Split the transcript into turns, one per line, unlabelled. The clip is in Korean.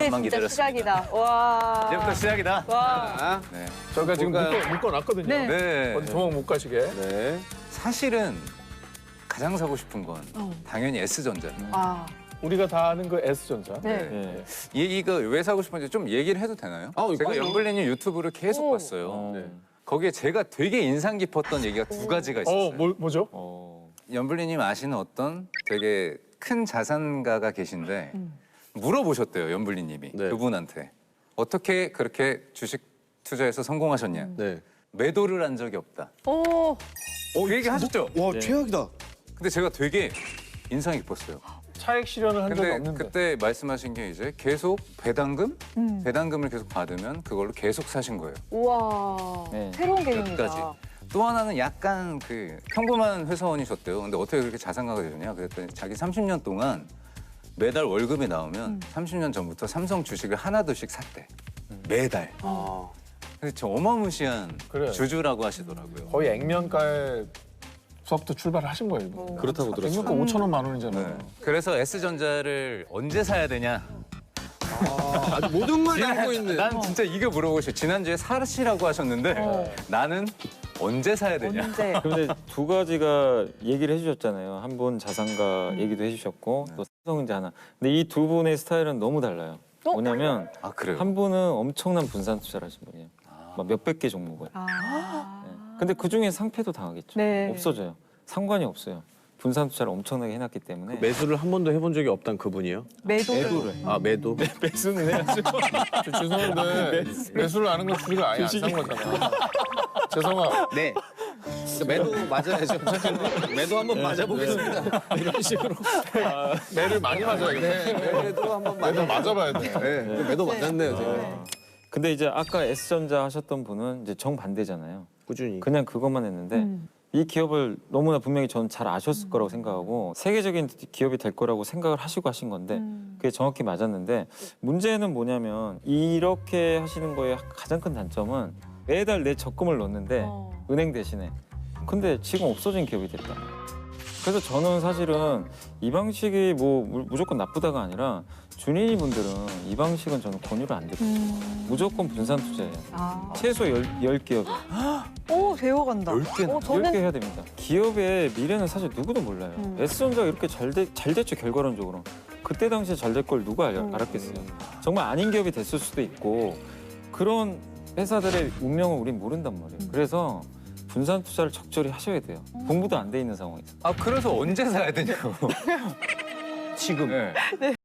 잠깐만
진짜
기다렸습니다.
시작이다. 와.
이제부터 시작이다.
와.
네.
저희가 지금 묶어놨거든요.
네.
네.
어디 도망 못 가시게.
네.
사실은 가장 사고 싶은 건 당연히 S전자.
아.
우리가 다 아는 그 S전자.
네.
이거 왜 사고 싶은지 좀 얘기를 해도 되나요? 제가
그럼요.
연블리님 유튜브를 계속 봤어요.
네.
거기에 제가 되게 인상 깊었던 얘기가 두 가지가 있었어요.
뭐죠?
연블리님 아시는 어떤 되게 큰 자산가가 계신데 물어보셨대요, 연블리님이.
네.
그분한테. 어떻게 그렇게 주식 투자해서 성공하셨냐.
네.
매도를 한 적이 없다.
오.
그 얘기 하셨죠?
와, 최악이다.
근데 제가 되게 인상이 깊었어요.
차액 실현을 한 적이
근데
없는데.
그때 말씀하신 게 이제 계속 배당금? 배당금을 계속 받으면 그걸로 계속 사신 거예요.
우와.
네.
새로운 개념이다.
끝까지. 또 하나는 약간 그 평범한 회사원이셨대요. 근데 어떻게 그렇게 자산가가 되셨냐? 그랬더니 자기 30년 동안 매달 월급이 나오면 30년 전부터 삼성 주식을 하나둘씩 샀대. 매달.
아.
그래서 저 어마무시한
그래요.
주주라고 하시더라고요.
거의 액면가의 수업부터 출발을 하신 거예요. 이분.
그렇다고 들었어요.
액면가 5천원 만 원이잖아요.
네. 그래서 S전자를 언제 사야 되냐?
아주 모든 걸 다 알고 있는.
난 진짜 이거 물어보고 싶어요. 지난주에 사시라고 하셨는데 나는 언제 사야 되냐?
언제?
근데 두 가지가 얘기를 해주셨잖아요. 한 분 자산가 얘기도 해주셨고 또 삼성전자 하나. 근데 이 두 분의 스타일은 너무 달라요. 뭐냐면
아 그래요?
한 분은 엄청난 분산 투자를 하신 분이에요. 막 몇백 개 종목을.
아.
네. 근데 그 중에 상패도 당하겠죠.
네.
없어져요. 상관이 없어요. 분산 투자를 엄청나게 해놨기 때문에.
매수를 한 번도 해본 적이 없단 그분이요?
매도를.
아, 매도?
매수는 해야죠.
죄송한데 매수를 아는 건 주식을 아예 안 산 거잖아. 죄송합니다.
네. 매도 맞아야죠. 매도 한번 맞아보겠습니다. 이런 식으로.
매를 많이 맞아야겠네.
매도 한번
매도 맞아봐야 돼.
네. 매도 맞았네요, 제가.
근데 이제 아까 S전자 하셨던 분은 이제 정반대잖아요.
꾸준히.
그냥 그것만 했는데 이 기업을 너무나 분명히 저는 잘 아셨을 거라고 생각하고 세계적인 기업이 될 거라고 생각을 하시고 하신 건데 그게 정확히 맞았는데 문제는 뭐냐면 이렇게 하시는 거의 가장 큰 단점은 매달 내 적금을 넣는데 은행 대신에 근데 지금 없어진 기업이 됐다. 그래서 저는 사실은 이 방식이 뭐 무조건 나쁘다가 아니라 준인이 분들은 이 방식은 저는 권유를 안 드려요. 무조건 분산 투자예요.
아.
최소 10기업이요.
오, 배워간다.
10개나?
10개 해야 됩니다. 기업의 미래는 사실 누구도 몰라요. S전자가 이렇게 잘 됐죠, 결과론적으로. 그때 당시에 잘 될 걸 누가 알았겠어요. 정말 아닌 기업이 됐을 수도 있고 그런 회사들의 운명을 우린 모른단 말이에요. 그래서 분산 투자를 적절히 하셔야 돼요. 공부도 안 돼 있는 상황에서.
아 그래서 언제 사야 되냐고.
지금.
네.